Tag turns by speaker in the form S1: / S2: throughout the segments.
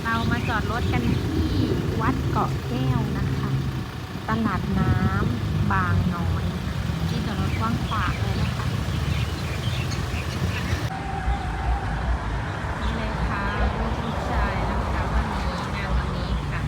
S1: เรามาจอดรถกันที่วัดเกาะแก้วนะคะตลาดน้ำบางน้อยที่จอดรถกว้างขวางเลยนะคะนี่เลยค่ะลูกผู้ชายนะคะวันนี้งานวันนี้ค่ะ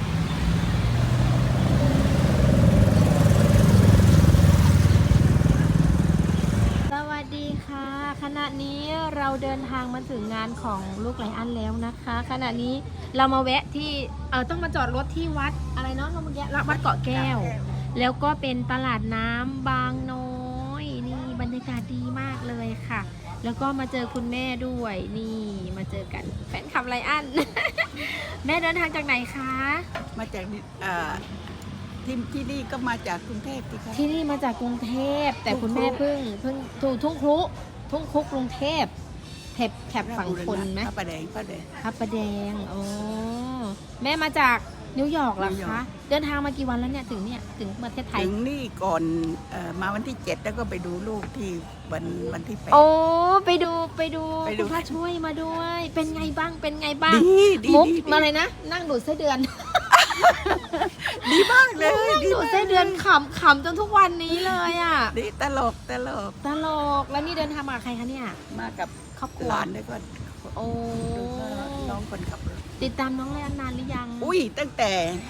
S1: สวัสดีค่ะขณะนี้เราเดินทางมาถึงงานของลูกไลอ้อนแล้วนะคะขณะนี้เรามาแวะที่ต้องมาจอดรถที่วัดอะไรเนาะเมื่อกี้วัดเกาะแก้วแล้วก็เป็นตลาดน้ำบางน้อยนี่บรรยากาศดีมากเลยค่ะแล้วก็มาเจอคุณแม่ด้วยนี่มาเจอกันแฟนคลับไลอ้อน แม่เดินทางจากไหนคะ
S2: มาจากที่นี่ก็มาจากกรุงเทพสิคะ
S1: ที่นี่มาจากกรุงเทพแต่คุณแม่เพิ่งถูกทุ่งครุกรุงเทพแถบฝั่งทนไหม
S2: พระประแดง
S1: พระประแดงอ๋อแม่มาจากนิวยอร์กเหรอ
S2: นิวยอ
S1: คะ
S2: ร์ก
S1: เดินทางมากี่วันแล้วเนี่ยถึงประเทศไทย
S2: ถึงนี่ก่อนมาวันที่ 7 แล้วก็ไปดูลูกที่วันที่ 8
S1: โอ้ไปดู
S2: ไปดู
S1: คุณพระช่วยมาด้วย เป็นไงบ้าง
S2: ดี
S1: มุก
S2: ดี
S1: มาเลยนะนั่งดูดไส้เดือน
S2: ดีมากเลย
S1: นั่งดูดไส้เดือนขำจนทุกวันนี้เลยอ่ะ
S2: ดีตลก
S1: แล้วนี่เดินทางมากับใครคะเนี่ย
S2: มากับ
S1: ครอบครัว
S2: หลานด้วยก็
S1: โอ้
S2: น้องคนขับรถ
S1: ติดตามน้องไลอ้อนนานหรือยัง
S2: อุ้ยตั้งแต่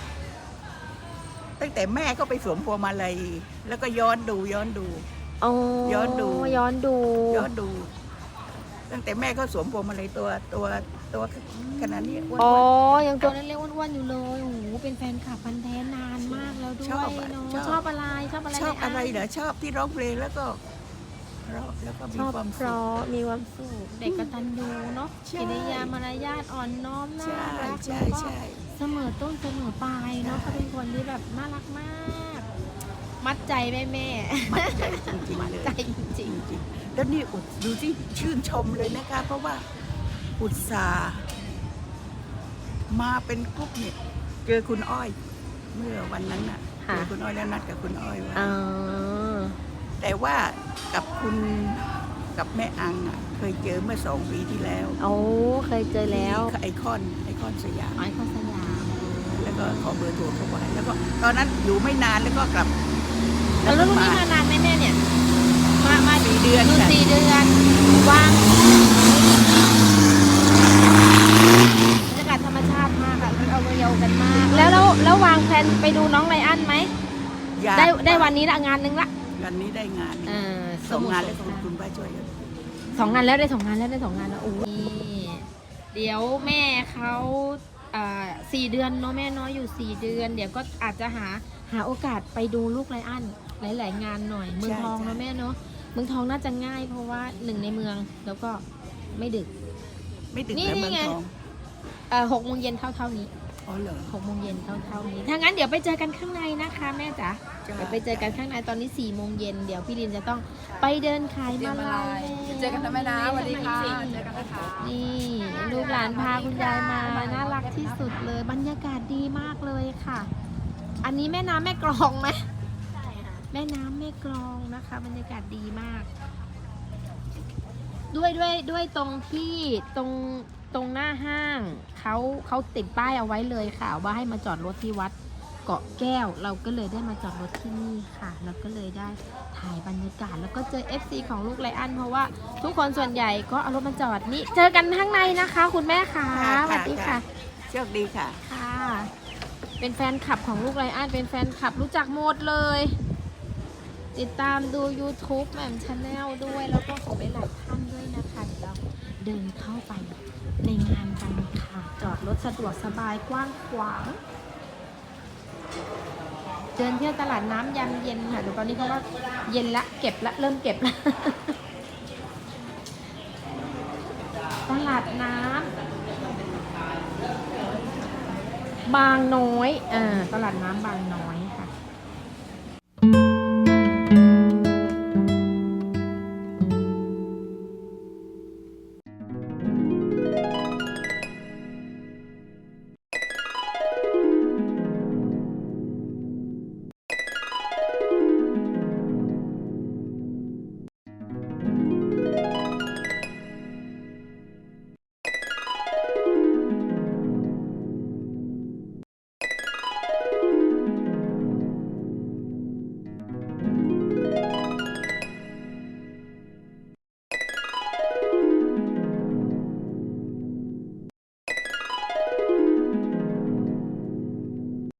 S2: แม่ก็ไปสวมพวงมาลัยแล้วก็ย้อนดู
S1: โอ้
S2: ย้อนดู ตั้งแต่แม่ก็สวมพวงมาลัยตัวขนาดนี้อ้วน
S1: อ๋อ
S2: ๆ
S1: ยังตัวเล็กๆอ้วนๆอยู่เลยโอ้โหเป็นแฟนคลับพันธุ์แท้นานมากแล้วด้วย
S2: ชอบอะ
S1: เนาะ
S2: ชอบ
S1: ชอบอะไร
S2: ชอบอะไรเหรอชอบที่ร้องเพลงแล้วก็เพราะแล้วก็มี
S1: ชอบ
S2: ความ
S1: เพ
S2: สุข
S1: ราะมีความสุขเด็กกตัญญูเนาะ
S2: ใช่
S1: กิริยามารยาทอ่อนน้อมน่า
S2: ใช่
S1: รัก
S2: ใช่
S1: แล้วก็
S2: ใช่
S1: เสมอต้นเสมอปลายเนาะ
S2: ใช่
S1: เขาเป็นคนที่แบบน่ารักมาก มัดใจแม่
S2: มัดใจจริงๆเลย
S1: ใจจ
S2: จ
S1: ริง
S2: ริงๆแล้วนี่ดูที่ชื่นชมเลยนะคะเพราะว่าอุตส่าห์มาเป็นกรุ๊ปเนี่ยเจอคุณอ้อย เมื่อวันนั้นน่ะเจอคุณอ้อยแล้วนัดกับคุณอ้อยไว้
S1: อ๋อ
S2: แต่ว่ากับแม่อังอ่ะเคยเจอเมื่อ2 ปีที่แล้ว
S1: โอ้เคยเจอแล้ว
S2: ที่ไอคอนสยาม
S1: ไอคอนสยาม
S2: แล้วก็ขอเบอร์โทรเขาไว้แล้วก็ตอนนั้นอยู่ไม่นานแล้วก็กลับ
S1: แล้วรุ่นนี้มานานไหมแม่เนี่ย มา
S2: 4 เดือน
S1: อยู่
S2: ค่ะ
S1: 4 เดือนว่างบรรยากาศธรรมชาติมากอะเอาเรียวกันมาก แล้ววางแผนไปดูน้องไลอ้อนไหม
S2: อยาก
S1: ได้วันนี้ละงานนึงละ
S2: วันนี้ได้งาน
S1: ส
S2: ส่ง
S1: มุทรง
S2: านแล้ว
S1: สงคราม
S2: คุณป้าช่วยกัน
S1: 2 งานแล้วได้2 งานแล้วโอ้ยเดี๋ยวแม่เขา4 เดือนเนาะแม่น้อยอยู่4 เดือน เดี๋ยวก็อาจจะหาโอกาสไปดูลูกไลอ้อนหลาย ๆ งานหน่อยเมืองทองเนาะแม่เนาะเมืองทองน่าจะง่ายเพราะว่า1ในเมืองแล้วก็ไม่ดึก
S2: ไม่ดึก
S1: นี่
S2: แล้วเมือง
S1: ไง
S2: ทอง
S1: 6 โมงเย็นเท่านี้
S2: อ๋อเหรอ
S1: 6 โมงเย็นเท่านี้ถ้างั้นเดี๋ยวไปเจอกันข้างในนะคะแม่จ๋า
S2: จ้า
S1: เดี๋ยวไปเจอกันข้างในตอนนี้4 โมงเย็นเดี๋ยวพี่ลินจะต้องไปเดินขายมาลัย
S3: เจอกันนะแม่นะสวัสดีค่ะเจอกันนะคะ
S1: นี่ลูกหลานพาคุณยายมาน่ารักที่สุดเลยบรรยากาศดีมากเลยค่ะ อันนี้แม่น้ำแม่กลองไหมแม่น้ำแม่กลองนะคะ บรรยากาศดีมาก ด้วยตรงที่ตรงหน้าห้างเขาติดป้ายเอาไว้เลยค่ะว่าให้มาจอดรถที่วัดเกาะแก้วเราก็เลยได้มาจอดรถที่นี่ค่ะแล้วก็เลยได้ถ่ายบรรยากาศแล้วก็เจอ FC ของลูกไลอ้อนเพราะว่าทุกคนส่วนใหญ่ก็เอารถมาจอดนี่เจอกันข้างในนะคะ คุณแม่ค่ะสวัสดีค่ะ
S2: โชคดีค่ะ
S1: ค่ะ เป็นแฟนคลับของลูกไลอ้อนเป็นแฟนคลับรู้จักหมดเลย ติดตามดู YouTube แหม่มชาแนลด้วยแล้วก็ของหลายๆท่านด้วยนะคะเดี๋ยวเราเดินเข้าไปในงานกันค่ะ จอดรถสะดวกสบายกว้างขวาง เดินเที่ยวตลาดน้ำยามเย็นค่ะเดี๋ยวตอนนี้เขาก็เย็นละเก็บละเริ่มเก็บละ ตลาดน้ำบางน้อยตลาดน้ำบางน้อย